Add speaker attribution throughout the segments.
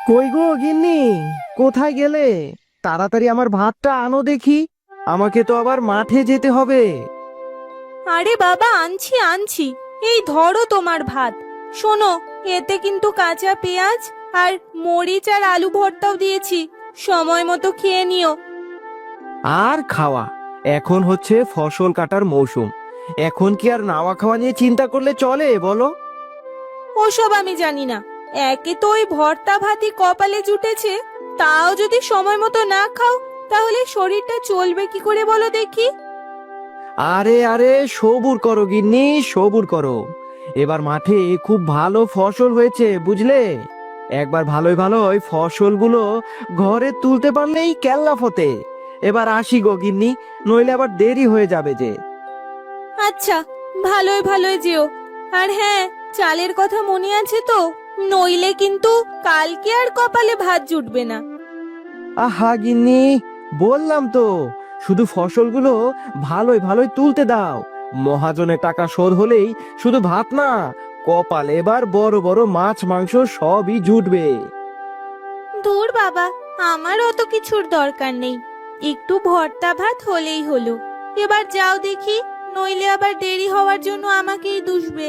Speaker 1: কই গো গিন্নি, কোথায় গেলে? তাড়াতাড়ি আমার ভাতটা আনো দেখি। আমাকে তো আবার মাঠে যেতে হবে।
Speaker 2: আরে বাবা, আনছি আনছি। এই ধরো তোমার ভাত। শোনো, এতে কিন্তু কাঁচা পেঁয়াজ আর মরিচ আর আলু ভর্তাও দিয়েছি। সময় মতো খেয়ে নিও।
Speaker 1: আর খাওয়া? এখন হচ্ছে ফসল কাটার মৌসুম। এখন কি আর নাওয়া খাওয়া নিয়ে চিন্তা করলে চলে বলো?
Speaker 2: ওসব আমি জানি না। একে তো ওই ভর্তা ভাতই কপালে জুটেছে, তাও যদি সময় মতো না খাও তাহলে শরীরটা চলবে কি করে বলো দেখি।
Speaker 1: আরে আরে, সবুর করো গিন্নি, সবুর করো। এবার মাঠে খুব ভালো ফসল হয়েছে বুঝলে। একবার ভালোই ভালোই ফসলগুলো ঘরে তুলতে পারলেই কেল্লা ফতে। এবার আসি গো গিন্নি, নইলে আবার দেরি হয়ে যাবে যে।
Speaker 2: আচ্ছা, ভালোই ভালোই যেও। আর হ্যাঁ, চালের কথা মনে আছে তো? নইলে কিন্তু কালকে আর কপালে ভাত জুটবে না।
Speaker 1: আহা গিন্নি, বললাম তো, শুধু ফসলগুলো ভালোই ভালোই তুলতে দাও। মহাজনের টাকা শোধ হলেই শুধু ভাত না, কপালে এবার বড় বড় মাছ মাংস সবই জুটবে।
Speaker 2: দূর বাবা, আমার অত কিছুর দরকার নেই। একটু ভর্তা ভাত হলেই হলো। এবার যাও দেখি, নইলে আবার দেরি হওয়ার জন্য আমাকেই দুষবে।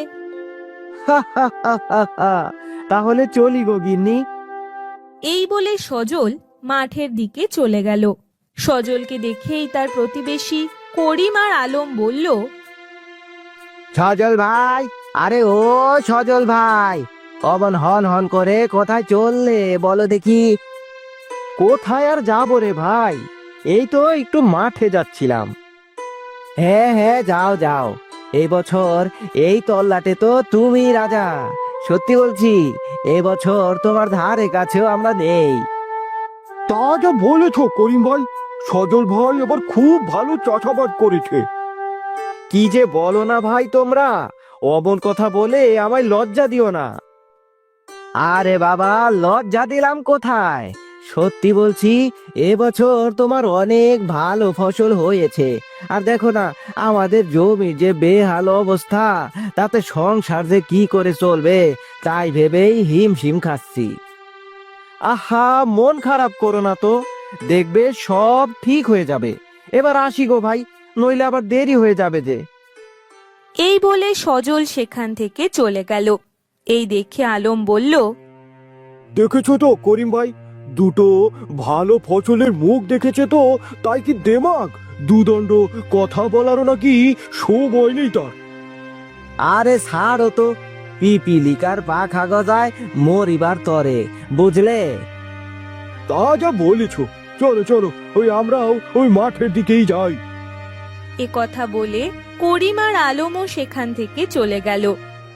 Speaker 1: তাহলে চলি গো গিন্নি।
Speaker 2: এই বলে সজল মাঠের দিকে চলে গেল। সজলকে দেখেই তার প্রতিবেশী করিম আর আলম বলল,
Speaker 1: সজল ভাই, আরে ও সজল ভাই, অমন হন হন করে কোথায় চললে বলো দেখি? কোথায় আর যাবো রে ভাই, এই তো একটু মাঠে যাচ্ছিলাম। হ্যাঁ হ্যাঁ, যাও যাও। এই বছর এই তল্লাটে তো তুমি রাজা। সত্যি বলছি, এই বছর তোমার ধারে কাছেও আমরা নেই।
Speaker 3: তা যা বলেছ করিম ভাই, সজল ভাই এবার খুব ভালো চাষাবাদ করেছে।
Speaker 1: কি যে বলো না ভাই তোমরা, অমন কথা বলে আমায় লজ্জা দিও না। আরে বাবা, লজ্জা দিলাম কোথায়? সত্যি বলছি, এবছর তোমার অনেক ভালো ফসল হয়েছে। আর দেখো না, আমাদের জমির যে বেহাল অবস্থা, তাতে সংসার যে কি করে চলবে তাই ভেবেই হিমশিম খাচ্ছি। আহা, মন খারাপ করো না তো, দেখবে সব ঠিক হয়ে যাবে। এবার আসি গো ভাই, নইলে আবার দেরি হয়ে যাবে যে।
Speaker 2: এই বলে সজল সেখান থেকে চলে গেল। এই দেখে আলম বলল,
Speaker 3: দেখেছো তো করিম ভাই, দুটো ভালো ফসলের মুখ দেখেছে তো, তাই কি দেমাগ দুদণ্ড কথা বলারও নাকি সময় নেই তার।
Speaker 1: আরে ছাড়ো তো, পিপিলিকার পাখা গজায় মরিবার তরে, বুঝলে?
Speaker 3: তা যা বলেছ, চলো চলো, ওই আমরাও ওই মাঠের দিকেই যাই।
Speaker 2: এ কথা বলে করিম আর আলমও সেখান থেকে চলে গেল।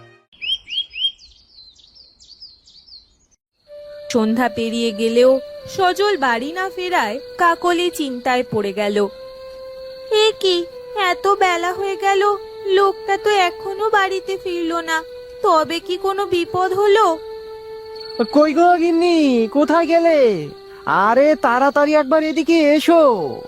Speaker 2: সন্ধ্যা পেরিয়ে গেলেও সজল বাড়ি না ফেরায় কাকলি চিন্তায় পড়ে গেল। এ কি, এত বেলা হয়ে গেল, লোকটা তো এখনো বাড়িতে ফিরলো না। তবে কি কোনো বিপদ হলো?
Speaker 1: কই গো গিন্নি, কোথায় গেলে? আরে তাড়াতাড়ি একবার এদিকে এসো।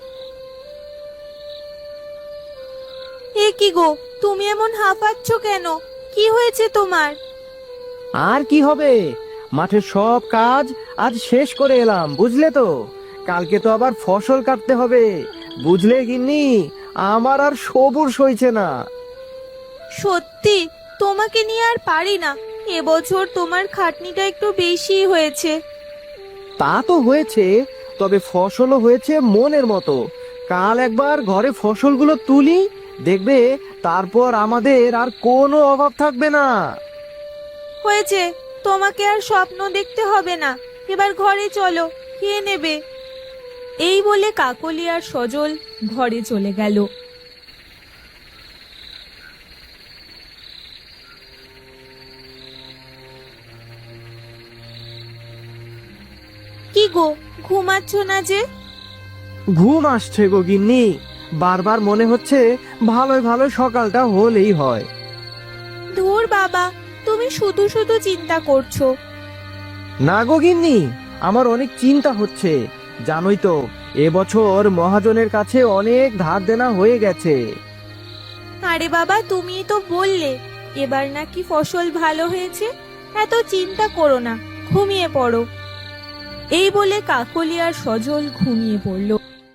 Speaker 2: এ কি গো, তুমি এমন হাঁপাচ্ছ কেন? কি হয়েছে তোমার?
Speaker 1: আর কি হবে, মাঠের সব কাজ আজ শেষ করে এলাম বুঝলে তো। কালকে তো আবার ফসল কাটতে হবে, বুঝলে গিন্নি। আমার আর সবুর সইছে না।
Speaker 2: সত্যি, তোমাকে নিয়ে আর পারি না। এবছর তোমার খাটনিটা একটু বেশি হয়েছে।
Speaker 1: তা তো হয়েছে, তবে ফসলও হয়েছে মনের মতো। কাল একবার ঘরে ফসলগুলো তুলি, দেখবে তারপর আমাদের আর কোনো অভাব থাকবে না।
Speaker 2: হয়েছে, তোমাকে আর স্বপ্ন দেখতে হবে না। এবার ঘরে চলো, খেয়ে নেবে। এই বলে কাকলি আর সজল ঘরে চলে গেল। কি গো, ঘুমাচ্ছ না যে?
Speaker 1: ঘুম আসছে গো গিন্নি, বারবার মনে হচ্ছে ভালোই ভালো সকালটা হলেই হয়।
Speaker 2: ধুর বাবা, তুমি শুধু শুধু চিন্তা করছো।
Speaker 1: না গো গিন্নি, আমার অনেক চিন্তা হচ্ছে। জানোই তো, এবছর মহাজনের কাছে অনেক ধার দেনা হয়ে গেছে।
Speaker 2: আরে বাবা, তুমি তো বললে এবার নাকি ফসল ভালো হয়েছে। এত চিন্তা করো না, ঘুমিয়ে পড়ো। এই বলে কাকলি আর সজল ঘুমিয়ে পড়ল।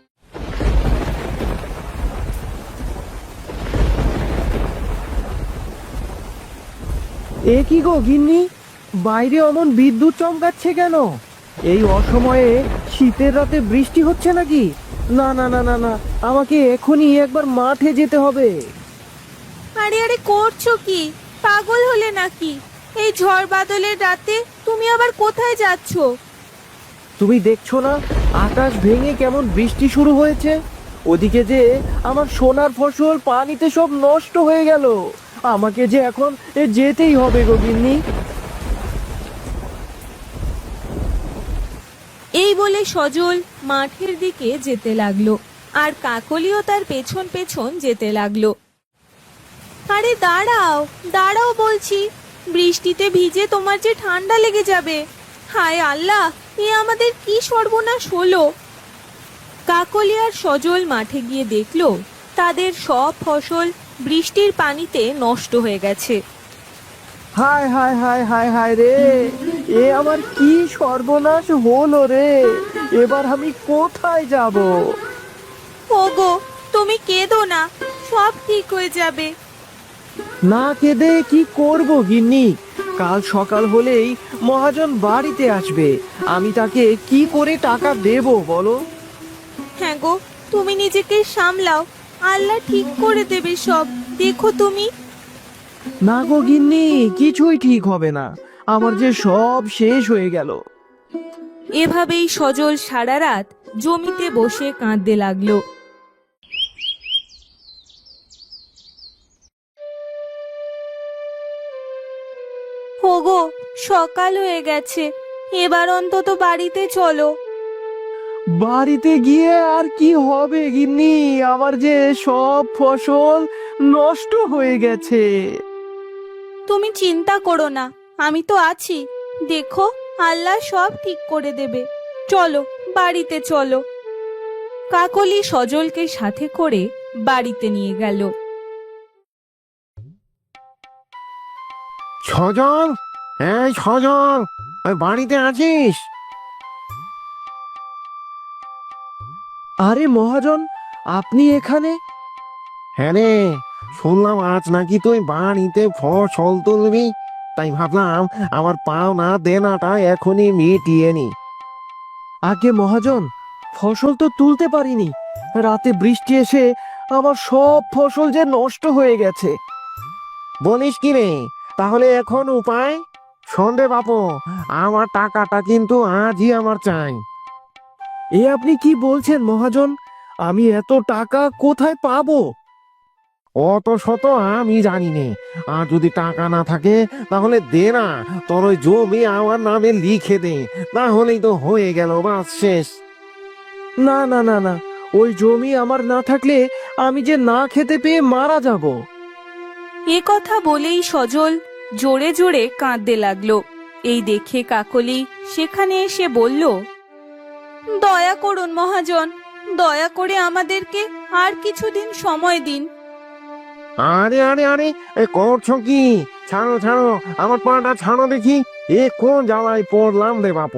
Speaker 1: এ কি গো গিন্নি, বাইরে অমন বিদ্যুৎ চমকাচ্ছে কেন? এই অসময়ে শীতের রাতে বৃষ্টি হচ্ছে নাকি? না না না না না, আমাকে এখনই একবার মাঠে যেতে হবে।
Speaker 2: আরে আরে করছো কি? পাগল হলে নাকি? এই ঝড় বাদলের রাতে তুমি আবার কোথায় যাচ্ছ?
Speaker 1: তুমি দেখছো না আকাশ ভেঙে কেমন বৃষ্টি শুরু হয়েছে? ওদিকে যে আমার সোনার ফসল পানিতে সব নষ্ট হয়ে গেল। আমাকে যে এখন যেতেই হবে গো গিন্নি।
Speaker 2: এই বলে সজল মাঠের দিকে যেতে লাগলো, আর কাকলিও তার পেছন পেছন যেতে লাগলো। আরে দাঁড়াও দাঁড়াও বলছি, বৃষ্টিতে ভিজে তোমার যে ঠান্ডা লেগে যাবে। হায় আল্লাহ, এ আমাদের কি সর্বনাশ হলো! কাকলি আর সজল মাঠে গিয়ে দেখলো তাদের সব ফসল বৃষ্টির পানিতে নষ্ট হয়ে গেছে।
Speaker 1: হায় হায় হায় হায় হায় রে, এ আমার কি সর্বনাশ হলো রে! এবার আমি কোথায় যাব?
Speaker 2: ওগো, তুমি কেঁদো না, সব ঠিক হয়ে যাবে।
Speaker 1: না কেঁদে কি করব গিন্নি? কাল সকাল হলেই মহাজন বাড়িতে আসবে, আমি তাকে কি করে টাকা দেব বলো?
Speaker 2: হ্যাঁ গো, তুমি নিজেকে সামলাও, আল্লাহ ঠিক করে দেবে সব, দেখো তুমি।
Speaker 1: না গো গিন্নি, কিছুই ঠিক হবে না, আমার যে সব শেষ হয়ে গেল।
Speaker 2: এভাবেই সজল সারা রাত জমিতে বসে কাঁদতে লাগলো। ওগো, সকাল হয়ে গেছে, এবার অন্তত বাড়িতে চলো।
Speaker 1: বাড়িতে গিয়ে আর কি হবে গিন্নি? আমার যে সব ফসল নষ্ট হয়ে গেছে।
Speaker 2: তুমি চিন্তা করো না, আমি তো আছি, দেখো আল্লাহ সব ঠিক করে দেবে। চলো বাড়িতে চলো। কাকলি সজলকে সাথে করে বাড়িতে নিয়ে গেল।
Speaker 3: সজল, এই সজল, ওই বাড়িতে আছিস?
Speaker 1: আরে মহাজন, আপনি এখানে?
Speaker 3: হ্যাঁ রে, শুনলাম আজ নাকি তুই বাড়িতে ফসল তুলবি, তাই ভাবলাম আমার পাওনা দেনাটা এখনই মিটিয়ে নি।
Speaker 1: আগে মহাজন, ফসল তো তুলতে পারিনি, রাতে বৃষ্টি এসে আমার সব ফসল যে নষ্ট হয়ে গেছে।
Speaker 3: বলিস কি রে? তাহলে এখন উপায়? সন্ধে বাপু, আমার টাকাটা কিন্তু আজই আমার চাই।
Speaker 1: এ আপনি কি বলছেন মহাজন? আমি এত টাকা কোথায় পাবো?
Speaker 3: অত শত আমি জানি নে, আর যদি টাকা না থাকে তাহলে দে না, তোর ওই জমি আমার নামে লিখে দে, না হলেই তো হয়ে গেল, বাস শেষ।
Speaker 1: না না না না, ওই জমি আমার না থাকলে আমি যে না খেতে পেয়ে মারা যাব।
Speaker 2: এ কথা বলেই সজল জোরে জোরে কাঁদতে লাগলো। এই দেখে কাকলি সেখানে এসে বলল, দয়া করুন মহাজন, দয়া করে আমাদেরকে আর কিছুদিন সময় দিন।
Speaker 3: আরে আরে আরে, এ করছো কি? ছাড়ো ছাড়ো, আমার পাটা ছাড়ো দেখি, এ কোন জ্বালায় পড়লাম রে বাপু।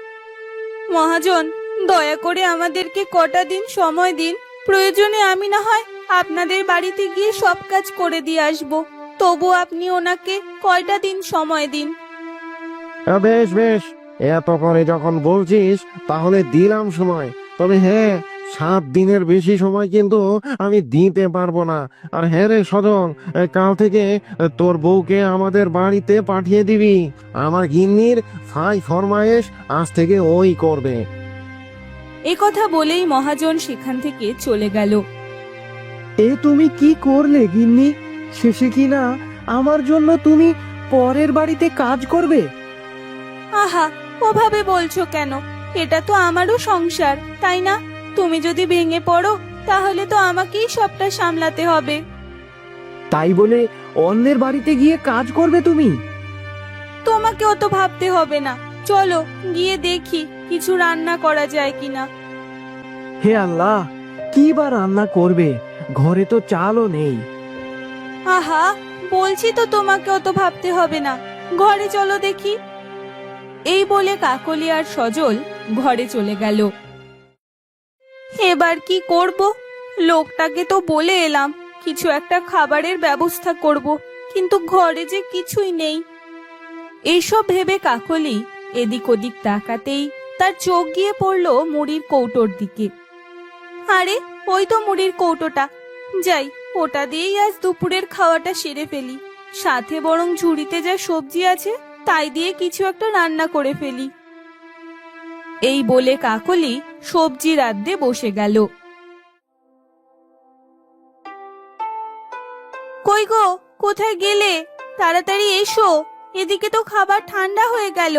Speaker 2: মহাজন, দয়া করে আমাদেরকে কটা দিন সময় দিন, প্রয়োজনে আমি না হয় আপনাদের বাড়িতে গিয়ে সব কাজ করে দিয়ে আসবো, তবু আপনি ওনাকে কয়টা দিন সময় দিন।
Speaker 3: বেশ বেশ, এত করে যখন বলছিস তাহলে দিলাম সময়, তবে হ্যাঁ, 7 দিনের বেশি সময় কিন্তু আমি দিতে পারবো না। আর হ্যাঁ রে সজল, কাল থেকে তোর বউকে আমাদের বাড়িতে পাঠিয়ে দিবি, আমার গিন্নির ফাই ফরমায়েশ আজ থেকে ওই করবে।
Speaker 2: এ কথা বলেই মহাজন সেখান থেকে চলে গেল।
Speaker 1: এ তুমি কি করলে গিন্নি? শেষে কি না আমার জন্য তুমি পরের বাড়িতে কাজ করবে?
Speaker 2: আহা, ওভাবে বলছো কেন? এটা তো আমারও সংসার, তাই না? তুমি যদি ভেঙে পড়ো তাহলে তো আমাকেই সবটা সামলাতে হবে।
Speaker 1: তাই বলে অন্যের বাড়িতে গিয়ে কাজ করবে তুমি?
Speaker 2: তোমাকেও তো ভাবতে হবে না, চলো গিয়ে দেখি কিছু রান্না করা যায় কিনা।
Speaker 1: হে আল্লাহ, কি বা রান্না করবে? ঘরে তো চালও নেই।
Speaker 2: আহা, বলছি তো তোমাকেও তো ভাবতে হবে না, ঘরে চলো দেখি। এই বলে কাকলি আর সজল ঘরে চলে গেল। এবার কি করব? লোকটাকে তো বলে এলাম কিছু একটা খাবারের ব্যবস্থা করব, কিন্তু ঘরে যে কিছুই নেই। এইসব ভেবে কাকলি এদিক ওদিক তাকাতেই তার চোখ গিয়ে পড়ল মুড়ির কৌটোর দিকে। আরে ওই তো মুড়ির কৌটোটা, যাই ওটা দিয়েই আজ দুপুরের খাওয়াটা সেরে ফেলি। সাথে বরং ঝুড়িতে যা সবজি আছে তাই দিয়ে কিছু একটা রান্না করে ফেলি। এই বলে কাকলি সবজি রাঁধতে বসে গেল। কই গো, কোথায় গেলে? তাড়াতাড়ি এসো, এদিকে তো খাবার ঠান্ডা হয়ে গেল।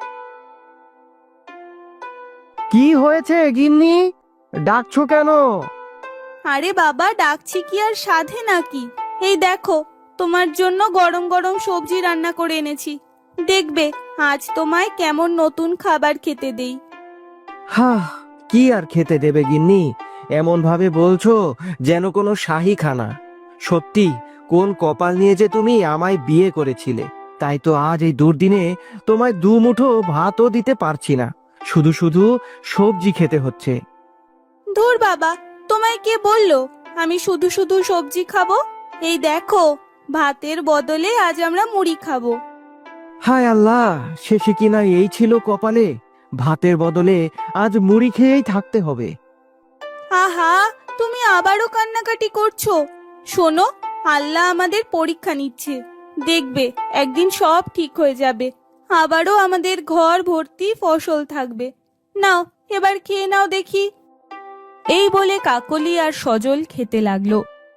Speaker 1: কি হয়েছে গিন্নি, ডাকছো কেন?
Speaker 2: আরে বাবা, ডাকছি কি আর সাধে নাকি? এই দেখো, তোমার জন্য গরম গরম সবজি রান্না করে এনেছি। দেখবে আজ তোমায় কেমন নতুন খাবার খেতে দেই।
Speaker 1: কি আর খেতে দেবে গিন্নি? এমন ভাবে বলছো যেন কোনো শাহী খানা। সত্যি কোন কপাল নিয়ে যে তুমি আমায় বিয়ে করেছিলে, তাই তো আজ এই দুর্দিনে তোমায় দু মুঠো ভাতও দিতে পারছি না, শুধু শুধু সবজি খেতে হচ্ছে।
Speaker 2: ধুর বাবা, তোমায় কে বললো আমি শুধু শুধু সবজি খাবো? এই দেখো, ভাতের বদলে আজ আমরা মুড়ি খাবো।
Speaker 1: হায় আল্লাহ, শেষে কিনা এই ছিল কপালে, ভাতের বদলে আজ মুড়ি খেয়েই থাকতে হবে।
Speaker 2: আহা, তুমি আবারও কান্নাকাটি করছো। শোনো, আল্লাহ আমাদের পরীক্ষা নিচ্ছে, দেখবে একদিন সব ঠিক হয়ে যাবে, আবারও আমাদের ঘর ভর্তি ফসল থাকবে। নাও এবার খেয়ে নাও দেখি। এই বলে কাকলি আর সজল খেতে লাগলো।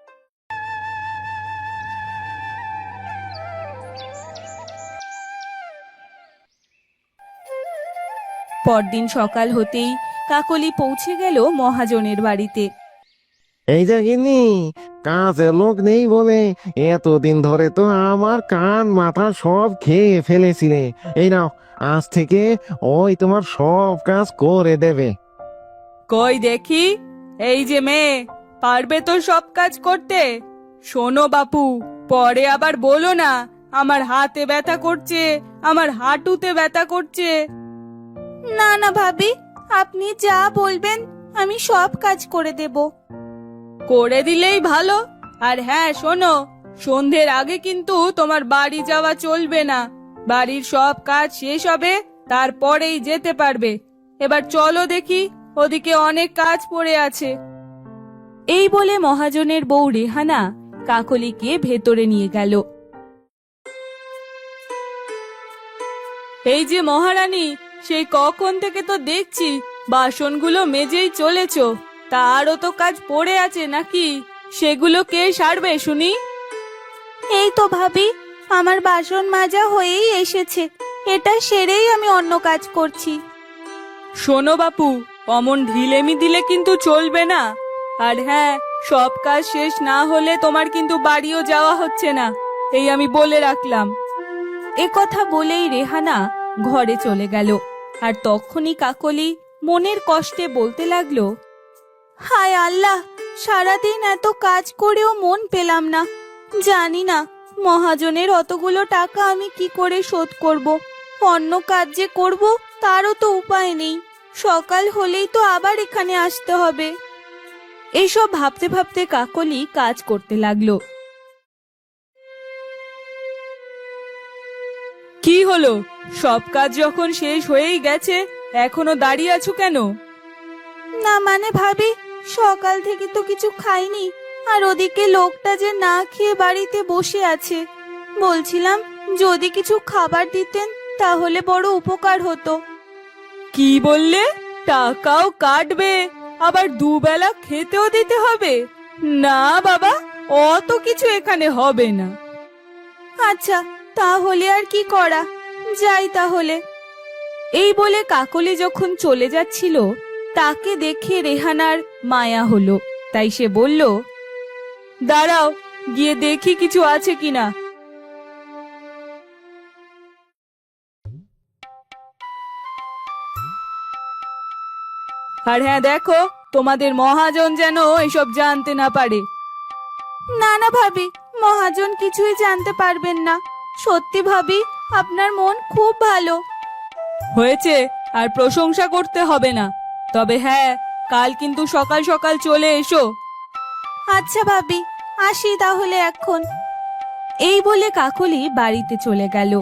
Speaker 2: পরদিন সকাল হতেই কাকলি পৌঁছে গেল মহাজনের বাড়িতে।
Speaker 3: এই যে গিন্নি, কাজে লোক নেই বলে এতদিন ধরে তো আমার কান মাথা সব খেয়ে ফেলেছিলে। এই নাও, আজ থেকে ওই তোমার সব কাজ করে দেবে।
Speaker 2: কই দেখি, এই যে মেয়ে, পারবে তো সব কাজ করতে? শোনো বাপু, পরে আবার বলো না আমার হাতে ব্যথা করছে, আমার হাঁটুতে ব্যথা করছে। না না ভাবি, আপনি যা বলবেন আমি সব কাজ করে দেব। করে দিলেই ভালো। আর হ্যাঁ শোনো, সন্ধ্যের আগে কিন্তু তোমার বাড়ি যাওয়া চলবে না। বাড়ির সব কাজ শেষ হবে, তারপরেই যেতে পারবে। এবার চলো দেখি, ওদিকে অনেক কাজ পড়ে আছে। এই বলে মহাজনের বউ রেহানা কাকলিকে ভেতরে নিয়ে গেল। এই যে মহারানী, সেই কখন থেকে তো দেখছি বাসনগুলো মেজেই চলেছ, তারও তো কাজ পড়ে আছে নাকি? সেগুলো কে সারবে শুনি? এই তো ভাবি, আমার বাসন মাজা হয়েই এসেছে, এটা সেরেই আমি অন্য কাজ করছি। শোনো বাপু, অমন ঢিলেমি দিলে কিন্তু চলবে না। আর হ্যাঁ, সব কাজ শেষ না হলে তোমার কিন্তু বাড়িও যাওয়া হচ্ছে না, এই আমি বলে রাখলাম। এ কথা বলেই রেহানা ঘরে চলে গেল। আর তখনই কাকলি মনের কষ্টে বলতে লাগলো, হায় আল্লাহ, সারাদিন এত কাজ করেও মন পেলাম না। জানি না মহাজনের অতগুলো টাকা আমি কি করে শোধ করব। অন্য কাজ যে করব তারও তো উপায় নেই, সকাল হলেই তো আবার এখানে আসতে হবে। এইসব ভাবতে ভাবতে কাকলি কাজ করতে লাগলো। কি হলো, সব কাজ যখন শেষ হয়েই গেছে, এখনো দাঁড়িয়ে আছো কেন? না মানে ভাবি, সকাল থেকে তো কিছু খাইনি, আর ওদিকে লোকটা যে না খেয়ে বাড়িতে বসে আছে। বলছিলাম যদি কিছু খাবার দিতেন তাহলে বড় উপকার হতো। কি বললে? টাকাও কাটবে, আবার দুবেলা খেতেও দিতে হবে? না বাবা, অত কিছু এখানে হবে না। আচ্ছা, তাহলে আর কি করা, যাই তাহলে। এই বলে কাকলি যখন চলে যাচ্ছিল, তাকে দেখে রেহানার মায়া হলো, তাই সে বলল, দাঁড়াও, গিয়ে দেখি কিছু আছে কিনা। আর হ্যাঁ দেখো, তোমাদের মহাজন যেন এসব জানতে না পারে। না না ভাবি, মহাজন কিছুই জানতে পারবেন না। সত্যি ভাবি, আপনার মন খুব ভালো। হয়েছে, আর প্রশংসা করতে হবে না। তবে হ্যাঁ, কাল কিন্তু সকাল সকাল চলে এসো। আচ্ছা ভাবি, আসি তাহলে এখন। এই বলে কাকলি বাড়িতে চলে গেল।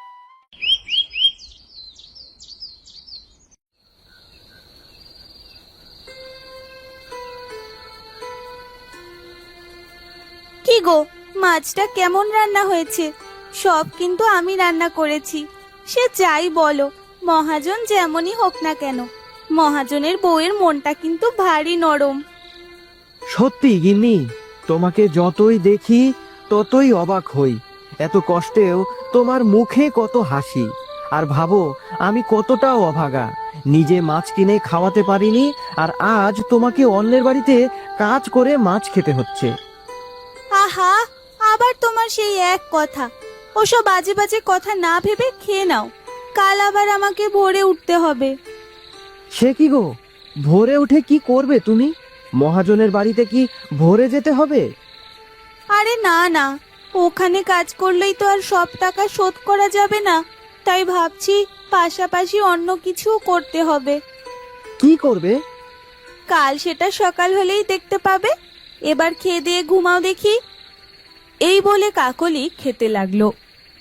Speaker 2: কি গো, মাছটা কেমন রান্না হয়েছে? সব কিন্তু আমি রান্না করেছি। সে যাই বলো, মহাজন যেমনই হোক না কেন, মহাজনের বউয়ের মনটা কিন্তু ভারী নরম।
Speaker 1: সত্যি গিন্নি, তোমাকে যতই দেখি ততই অবাক হই। এত কষ্টেও তোমার মুখে কত হাসি। আর ভাবো, আমি কতটা অভাগা, নিজে মাছ কিনে খাওয়াতে পারিনি, আর আজ তোমাকে অন্যের বাড়িতে কাজ করে মাছ খেতে হচ্ছে।
Speaker 2: আহা, আবার তোমার সেই এক কথা। ওসব বাজে বাজে কথা না ভেবে খেয়ে নাও, কাল আবার আমাকে ভোরে উঠতে হবে।
Speaker 1: সে কি গো, ভোরে উঠে কি করবে তুমি? মহাজনের বাড়িতে কি ভোরে যেতে হবে?
Speaker 2: আরে না না, ওখানে কাজ করলেই তো আর সব টাকা শোধ করা যাবে না। তাই ভাবছি পাশাপাশি অন্য কিছু করতে হবে।
Speaker 1: কি করবে?
Speaker 2: কাল সেটা সকাল হলেই দেখতে পাবে। এবার খেয়ে দিয়ে ঘুমাও দেখি। এই বলে কাকলি খেতে লাগলো।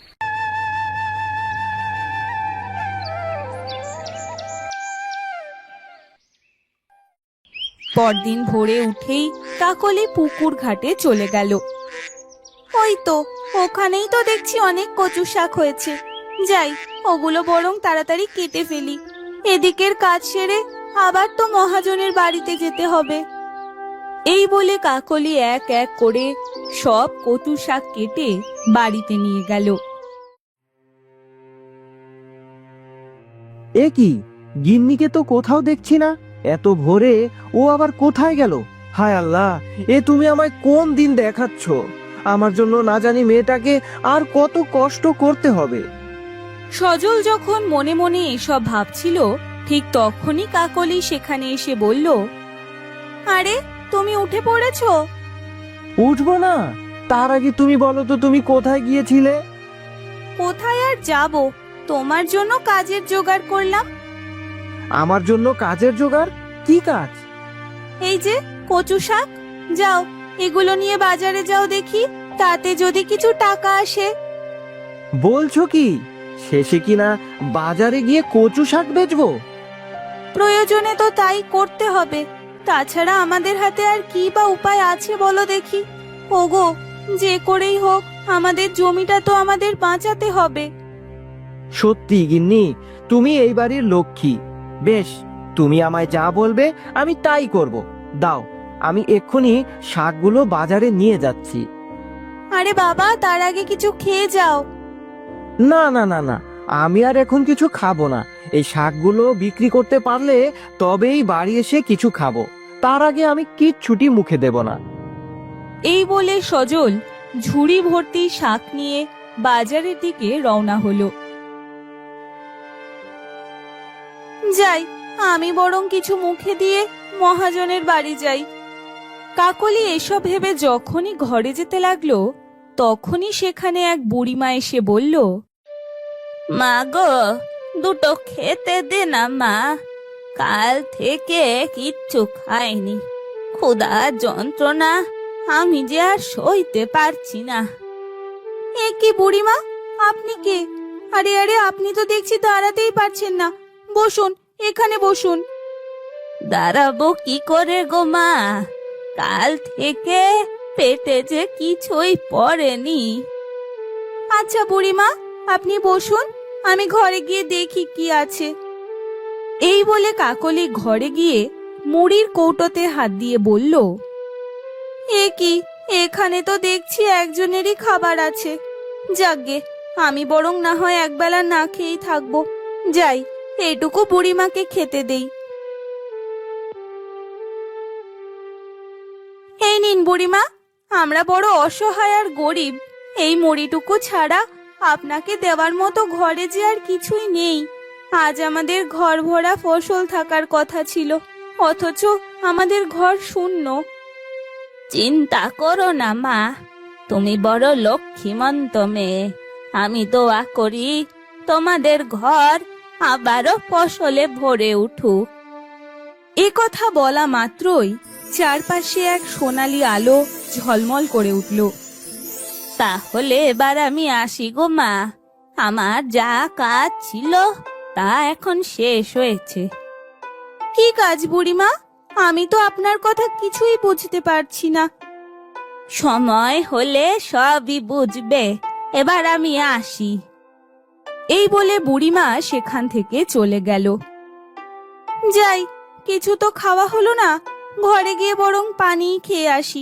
Speaker 2: পরদিন ভোরে উঠেই কাকলি পুকুর ঘাটে চলে গেল। ওই তো, ওখানেই তো দেখছি অনেক কচু শাক হয়েছে। যাই, ওগুলো বরং তাড়াতাড়ি কেটে ফেলি। এদিকের কাজ সেরে আবার তো মহাজনের বাড়িতে যেতে হবে। এই বলে কাকলি এক এক করে সব কচু শাক কেটে বাড়িতে নিয়ে গেল।
Speaker 1: এ কি, গিন্নিকে তো কোথাও দেখছি না। এত ভোরে ও আবার কোথায় গেল? হায় আল্লাহ, এ তুমি আমায় কোন দিন দেখাচ্ছ? আমার জন্য না জানি মেয়েটাকে আর কত কষ্ট করতে হবে।
Speaker 2: সজল যখন মনে মনে এসব ভাবছিল, ঠিক তখনই কাকলি সেখানে এসে বলল, আরে তুমি উঠে পড়েছো?
Speaker 1: উঠবো না, তার আগে তুমি বলো তো তুমি কোথায় গিয়েছিলে?
Speaker 2: কোথায় আর যাব, তোমার জন্য কাজের জোগাড় করলাম।
Speaker 1: আমার জন্য কাজের জোগাড়? কি কাজ?
Speaker 2: এই যে কচু শাক, যাও এগুলো নিয়ে বাজারে যাও দেখি, তাতে যদি কিছু টাকা আসে।
Speaker 1: বলছো কি, শেষে কিনা বাজারে গিয়ে কচু শাক বেচবো?
Speaker 2: প্রয়োজনে তো তাই করতে হবে, তাছাড়া আমাদের হাতে আর কি বা উপায় আছে বলো দেখি। ওগো, যে করেই হোক আমাদের জমিটা তো আমাদের বাঁচাতে হবে।
Speaker 1: সত্যি গিন্নি, তুমি এই বাড়ির লক্ষ্মী। বেশ, তুমি আমায় যা বলবে আমি তাই করব। দাও, আমি এক্ষুনি শাকগুলো বাজারে নিয়ে যাচ্ছি।
Speaker 2: আরে বাবা, তার আগে কিছু খেয়ে যাও।
Speaker 1: না না না না, আমি আর এখন কিছু খাবো না। এই শাকগুলো বিক্রি করতে পারলে তবেই বাড়ি এসে কিছু খাবো। তার আগে আমি কিচ্ছুটি মুখে দেব না।
Speaker 2: এই বলে সজল ঝুড়ি ভর্তি শাক নিয়ে বাজারের দিকে রওনা হলো। যাই, আমি বরং কিছু মুখে দিয়ে মহাজনের বাড়ি যাই। কাকলি এসব ভেবে যখনই ঘরে যেতে লাগলো, তখনই সেখানে এক বুড়িমা এসে বলল, মা গো, দুটো খেতে দে না মা, কাল থেকে কিচ্ছু খাইনি, ক্ষুধার যন্ত্রণা আমি যে আর সইতে পারছি না। এ কি বুড়িমা, আপনি কে? আরে আরে, আপনি তো দেখছি দাঁড়াতেই পারছেন না। বসুন, এখানে বসুন। দাঁড়াবো কি করে গো মা, কাল থেকে পেটে যে কিছুই পড়েনি। আচ্ছা বুড়িমা, আপনি বসুন, আমি ঘরে গিয়ে দেখি কি আছে। এই বলে কাকলি ঘরে গিয়ে মুড়ির কৌটোতে হাত দিয়ে বলল, এ কি, এখানে তো দেখছি একজনেরই খাবার আছে। যাকগে, আমি বরং না হয় একবেলা না খেয়েই থাকবো। যাই, এইটুকু বুড়িমাকে খেতে দেই। এই নিন বুড়িমা, আমরা বড় অসহায় আর গরিব। এই মুড়িটুকু ছাড়া আপনাকে দেওয়ার মতো ঘরে যে আর কিছুই নেই। আজ আমাদের ঘর ভরা ফসল থাকার কথা ছিল, অথচ আমাদের ঘর শূন্য। চিন্তা করো না মা, তুমি বড় লক্ষ্মীমন্ত মেয়ে। আমি দোয়া করি তোমাদের ঘর আবারও ফসলে ভরে উঠুক। এ কথা বলা মাত্রই চারপাশে এক সোনালী আলো ঝলমল করে উঠল। তাহলে এবার আমি আসি গো মা, আমার যা কাজ ছিল তা এখন শেষ হয়েছে। কি কাজ বুড়িমা? আমি তো আপনার কথা কিছুই বুঝতে পারছি না। সময় হলে সবই বুঝবে, এবার আমি আসি। এই বলে বুড়িমা সেখান থেকে চলে গেল। যাই, কিছু তো খাওয়া হলো না, ঘরে গিয়ে বরং পানি খেয়ে আসি।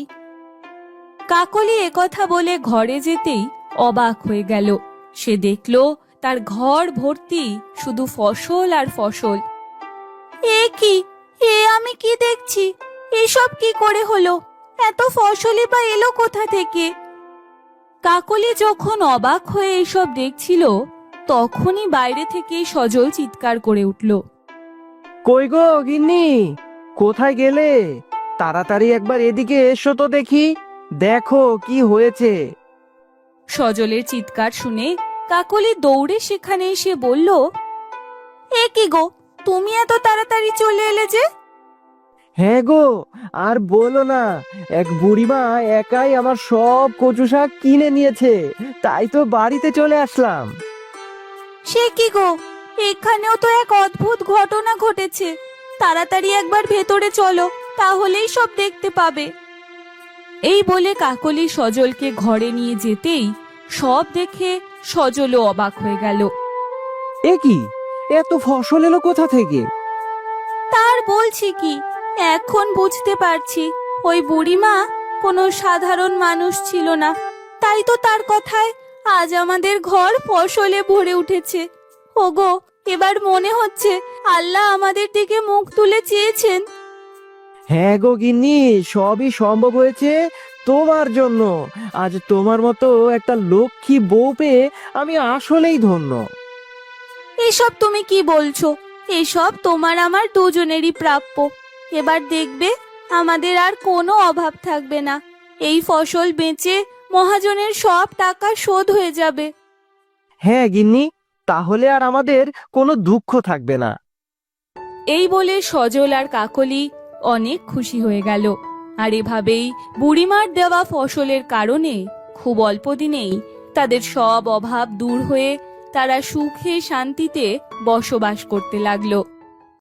Speaker 2: কাকলি একথা বলে ঘরে যেতেই অবাক হয়ে গেল। সে দেখল তার ঘর ভর্তি শুধু ফসল আর ফসল। এ কি, আমি কি দেখছি? এসব কি করে হলো? এত ফসলই বা এলো কোথা থেকে? কাকলি যখন অবাক হয়ে এসব দেখছিল, তখনই বাইরে থেকে সজল চিৎকার করে উঠল।
Speaker 1: কই গো গিন্নি, কোথায় গেলে? তাড়াতাড়ি একবার এদিকে এসো তো দেখি, দেখো কি হয়েছে।
Speaker 2: সজলের চিৎকার শুনে কাকলি দৌড়ে সেখানে এসে বলল, এ কি গো, তুমি এত তাড়াতাড়ি চলে এলে যে?
Speaker 1: হ্যাঁ গো, আর বলো না, এক বুড়িমা একাই আমার সব কচু শাক কিনে নিয়েছে, তাই তো বাড়িতে চলে আসলাম।
Speaker 2: সে কি গো, এখানেও তো এক অদ্ভুত ঘটনা ঘটেছে। তাড়াতাড়ি একবার ভেতরে চলো, তাহলেই সব দেখতে পাবে। এই বলে কাকলি সজলকে ঘরে নিয়ে যেতেই সব দেখে সজলও অবাক হয়ে গেল।
Speaker 1: এ কি, এত ফসল এলো কোথা থেকে?
Speaker 2: তার বলছি কি, এখন বুঝতে পারছি ওই বুড়িমা কোনো সাধারণ মানুষ ছিল না। তাই তো তার কথায় আজ আমাদের ঘর ফসলে ভরে উঠেছে। ওগো, এবার মনে হচ্ছে আল্লাহ আমাদের দিকে মুখ তুলে চেয়েছেন।
Speaker 1: হ্যাঁ গো গিন্নি, সবই সম্ভব হয়েছে তোমার জন্য। আজ তোমার মতো একটা লক্ষ্মী বউ পেয়ে আমি আসলেই ধন্য।
Speaker 2: এসব তুমি কি বলছো? এসব তোমার আমার দুজনেরই প্রাপ্য। এবার দেখবে আমাদের আর কোনো অভাব থাকবে না। এই ফসল বেচে মহাজনের সব টাকা শোধ হয়ে যাবে।
Speaker 1: হ্যাঁ গিন্নি, তাহলে আর আমাদের কোনো দুঃখ থাকবে না।
Speaker 2: এই বলে সজল আর কাকলি অনেক খুশি হয়ে গেল। আর এভাবেই বুড়িমার দেওয়া ফসলের কারণে খুব অল্প দিনেই তাদের সব অভাব দূর হয়ে তারা সুখে শান্তিতে বসবাস করতে লাগলো।